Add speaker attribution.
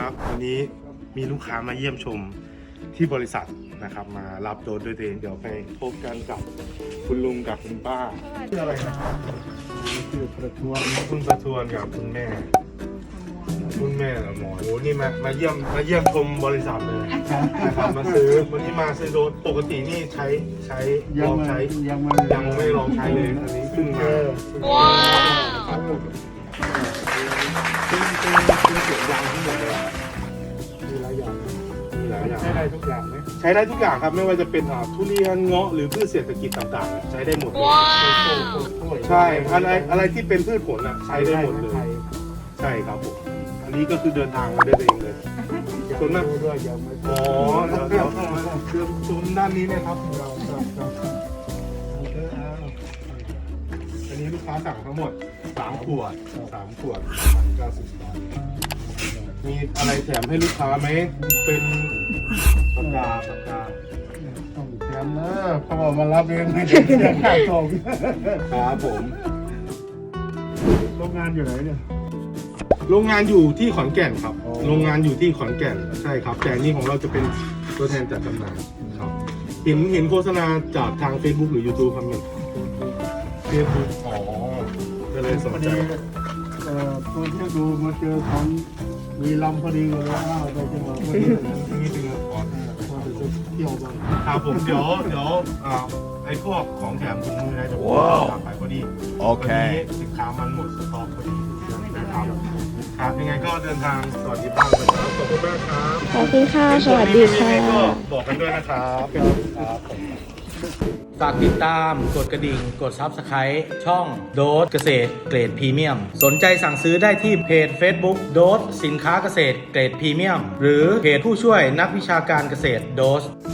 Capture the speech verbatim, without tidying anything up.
Speaker 1: ครับวันนี้มีลูกค้ามาเยี่ยมชมที่บริษัทนะครับมารับโดสด้วยตัวเองเดี๋ยวไปพบกันกับคุณลุงกับคุณป้าชื่ออะไรนะครับชื่อประทวนคุณประทวนกับคุณแม่คุณแม่เหรอหมอโอ้นี่มามาเยี่ยมมาเยี่ยมชมบริษัทเลยนะครับมาซื้อวันนี้มาซื้อโดสปกตินี่ใช้ใช้ลองใช้ยังไม่ยังไม่ลองใช้เลยอันนี้เพิ่งมาว้าวเป็นเป็นเป็นเสียงยางทั้งหมดเลยมีหลายอย่างมีหลายอย่างใช้ได้ทุกอย่างไหมใช้ได้ทุกอย่างครับไม่ว่าจะเป็นทุเรียนเงาะหรือพืชเศรษฐกิจต่างๆใช้ได้หมดเลยใช่อะไรอะไรที่เป็นพืชผลอ่ะใช้ได้หมดเลยใช่ครับผมอันนี้ก็คือเดินทางมาได้เองเลยส่วนมากอ๋อเดี๋ยวเดี๋ยวเข้ามาเชื่อมชมด้านนี้เนี่ยครับเราอันนี้ลูกค้าสั่งทั้งหมดสามขวดสามขวดเก้าสิบบาทมีอะไรแถมให้ลูกค้าไหมเป็นปากกาปากกาต้องแถมนะเขาบอกมารับเองไม่ได้เสียค่าส่งครับผมโรงงานอยู่ไหนเนี่ยโรงงานอยู่ที่ขอนแก่นครับโรงงานอยู่ที่ขอนแก่นใช่ครับแต่นี่ของเราจะเป็นตัวแทนจัดจำหน่ายครับเห็นเห็นโฆษณาจากทาง Facebook หรือ YouTube ครับเนี่ย Facebook อ๋อก็เลยสนใจเอ่อตัวที่ดูมาเจอของมีลำพอดีเลยว่าไปจังหวัดพอดีนี่ถึงก่อนมาไปเที่ยวบ้างครับผมเดี๋ยวเดี๋ยวอ่าไอ้พวกของแถมถุงมือนะจะตามไปพอดีโอเคสินค้ามันหมดสต็อกพอดีนะครับครับยังไงก็เดินทางสวัสดีบ้างเลยครับขอบคุณมากครับ
Speaker 2: ขอบคุณค่ะสวัสดีค่ะ
Speaker 1: ก็บอกกันด้วยนะครับครับ
Speaker 3: ฝากติดตามกดกระดิ่งกด ซับสไครบ์ ช่องโดสเกษตรเกรดพรีเมียมสนใจสั่งซื้อได้ที่เพจ Facebook โดสสินค้าเกษตรเกรดพรีเมียมหรือเพจผู้ช่วยนักวิชาการเกษตรโดส